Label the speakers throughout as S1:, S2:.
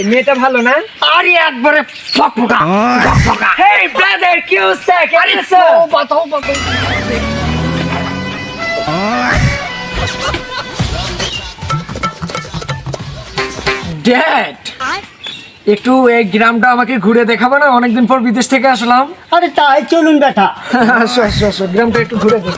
S1: মেয়েটা ভালো না?
S2: আরে একবারে ফকফকা ফকফকা।
S1: হেই ব্রাদার, কি অবস্থা? কেমন আছো?
S2: তৌবা।
S1: ড্যাড, একটু এই গ্রামটা আমাকে ঘুরে দেখাবো না? অনেকদিন পর বিদেশ থেকে আসলাম।
S2: আরে তাই চলুন বেটা।
S1: আসো গ্রামটা একটু ঘুরে দেখ।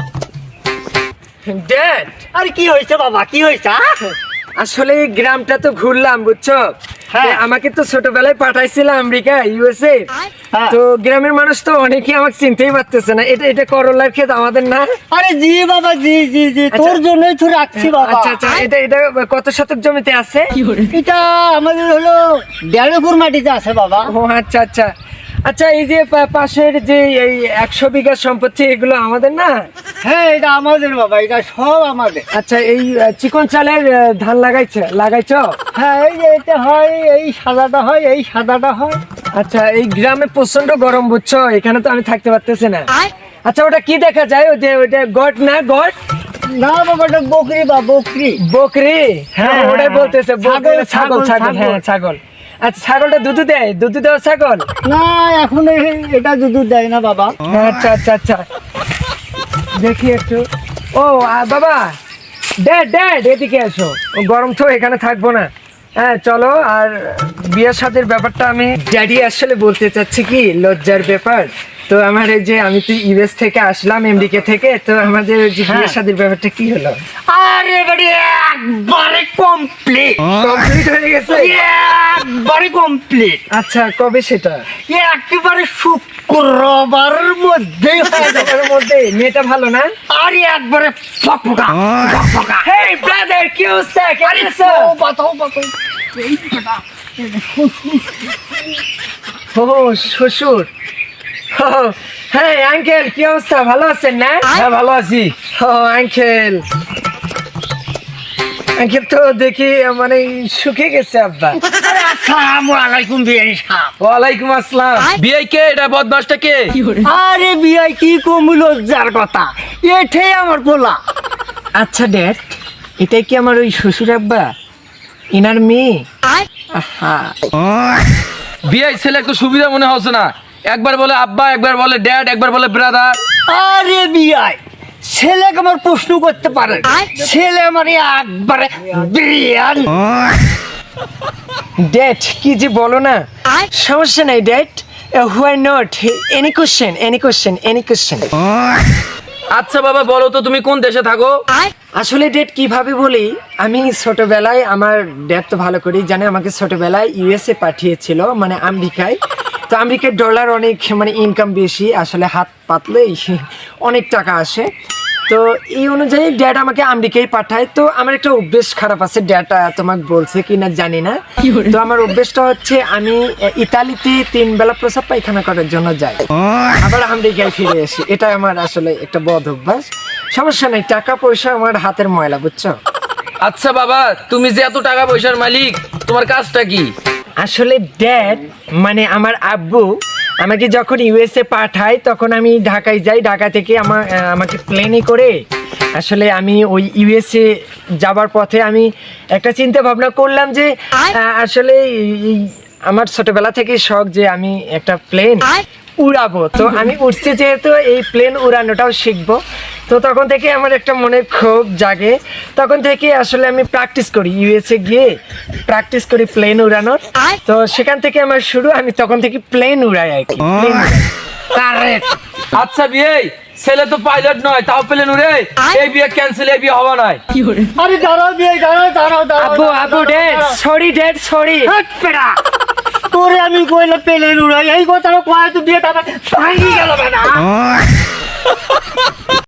S1: ড্যাড,
S2: আরে কি হয়েছে বাবা, কি হয়েছে?
S1: আসলে এই গ্রামটা তো ঘুরলাম, বুঝছো?
S2: হ্যাঁ।
S1: আমাকে তো ছোটবেলায় পাঠাইছিল আমেরিকা, ইউএসএ।
S2: হ্যাঁ।
S1: তো গ্রামের মানুষ তো অনেকেই আমাকে চিনতেই পারতেছে না। এটা করলার ক্ষেত আমাদের না?
S2: আরে জি বাবা, জি তোর জন্যই তো রাখছি বাবা।
S1: আচ্ছা, এটা কত শতক জমিতে আছে?
S2: এটা আমাদের হলো 1.5 মাটিতে আছে বাবা।
S1: ও আচ্ছা, এই যে পাশের যে এই 100 বিঘা সম্পত্তি, এগুলো আমাদের না?
S2: হ্যাঁ এটা আমাদের বাবা, এটা সব আমাদের।
S1: আচ্ছা, এই চিকন চালের ধান লাগাইছো?
S2: হ্যাঁ এই যে এটা হয়, এই সাদাটা হয়, এই সাদাটা হয়।
S1: আচ্ছা, এই গ্রামে প্রচন্ড গরম, বুঝছো? এখানে তো আমি থাকতে পারতেছি না। আচ্ছা, ওটা কি দেখা যায়? ওটা গট না? গট
S2: না বাবা, এটা বকরি বা বকরি।
S1: বকরি? হ্যাঁ,
S2: হ্যাঁ,
S1: ওটাই বলতেছে। ছাগল।
S2: ছাগল।
S1: হ্যাঁ, ছাগল। আচ্ছা, ছাগলটা দুধ দেওয়া ছাগল?
S2: না এখন এটা দুধ দেয় না বাবা।
S1: আচ্ছা, দেখি একটু। ও বাবা, ড্যাড এদিকে এসো। ও গরম তো, এখানে থাকবো না। হ্যাঁ চলো। আর বিয়ের সাথের ব্যাপারটা আমি ড্যাডি আসলে বলতে চাচ্ছি, কি লজ্জার ব্যাপার। তো আমার এই যে আমি তো ইউএস থেকে আসলাম, আমেরিকা থেকে, তো আমাদের যে বিয়ের সাথের ব্যাপারটা কি হলো?
S2: আরে বাড়ি একবারে কমপ্লিট
S1: হয়ে গেছে?
S2: একবারে কমপ্লিট।
S1: আচ্ছা, কবে সেটা?
S2: একেবারে শুক্রবারের মধ্যেই হয়ে যাবে।
S1: এর মধ্যে? মেয়েটা ভালো না?
S2: আরে একবারে ফকফকা ফকফকা।
S1: হেই ব্রাদার, কি অবস্থা? কেমন আছো?
S2: তৌবা।
S1: ও শ্বশুর। ও, হ্যাঁ আঙ্কেল, কি অবস্থা? ভালো আছেন না?
S3: হ্যাঁ ভালো আছি।
S1: ও আঙ্কেল তো দেখি মানে শুকিয়ে গেছে আব্বা।
S2: আরে আসসালামু আলাইকুম বিয়াই সাহেব।
S3: ওয়ালাইকুম আসসালাম। বিআই কে? এটা বদমাসটা কে?
S2: আরে বিয়াই কি কম লজ্জার কথা, এটাই আমার পোলা।
S1: আচ্ছা ড্যাড, এটাই কি আমার ওই শ্বশুর আব্বা, ইনার মেয়ে? আহা,
S3: বিআই ছেলে একটু সুবিধা মনে হচ্ছে না? একবার বলে আব্বা, একবার বলে ড্যাড, একবার বলে ব্রাদার।
S2: আরে বিয়াই ছেলেকে আমার প্রশ্ন করতে পারে, ছেলে আমার একবারে বিরিয়ান।
S1: ড্যাড কি যে বলো না। সমস্যা নাই dad, why not, any question.
S3: আচ্ছা বাবা, বলো তো তুমি কোন দেশে থাকো?
S1: আসলে ড্যাড কিভাবে বলি, আমি ছোটবেলায়, আমার ড্যাড তো ভালো করেই জানে, আমাকে ছোটবেলায় ইউএসএ পাঠিয়েছিল, মানে আমেরিকায়। তো আমেরিকার ডলার অনেক মানে ইনকাম বেশি, আসলে হাত পাতলেই অনেক টাকা আসে। তো এই অনুযায়ী ড্যাড আমাকে আমেরিকায় পাঠায়। তো আমার একটা অভ্যেস খারাপ আছে, ড্যাড তোমাকে বলছে কিনা জানি না। তো আমার অভ্যেসটা হচ্ছে, আমি ইতালিতে 3 বেলা প্রসাব পায়খানা করার জন্য যাই, আবার আমেরিকায় ফিরে আসি। এটা আমার আসলে একটা বদ অভ্যাস। সমস্যা নেই, টাকা পয়সা আমার হাতের ময়লা, বুঝছো?
S3: আচ্ছা বাবা, তুমি যে এত টাকা পয়সার মালিক, তোমার কাজটা কি?
S1: আসলে ড্যাড মানে আমার আব্বু আমাকে যখন ইউএসএ পাঠায়, তখন আমি ঢাকায় যাই। ঢাকা থেকে আমাকে প্লেনে করে আসলে আমি ওই ইউএসএ যাবার পথে আমি একটা চিন্তা ভাবনা করলাম যে আসলে এই আমার ছোটবেলা থেকে শখ যে আমি একটা প্লেন উড়াবো। তো আমি উঠছি যেহেতু, এই প্লেন উড়ানোটাও শিখবো। তো তখন থেকে আমার একটা মনে ক্ষোভ জাগে। তখন থেকে আসলে আমি প্র্যাকটিস করি, ইউএসএ গিয়ে প্র্যাকটিস করি প্লেন উড়ানোর। তো সেখান থেকে আমার শুরু, আমি তখন থেকে প্লেন উড়াই আর কি।
S2: কারেক্ট।
S3: আচ্ছা বিআই, ছেলে তো পাইলট নয়, তাও প্লেন উড়ে? এই বিয়ে ক্যান্সেল, এই বিয়ে হওয়া নয়।
S2: আরে দাঁড়াও বিয়াই, দাঁড়াও।
S1: আব্বু ড্যাড সরি।
S2: হাট পেড়া, তোরে আমি কইলে পেলেন উড়াই, এই কথাটা কয় তো বিয়েটা ভাঙি গেল না।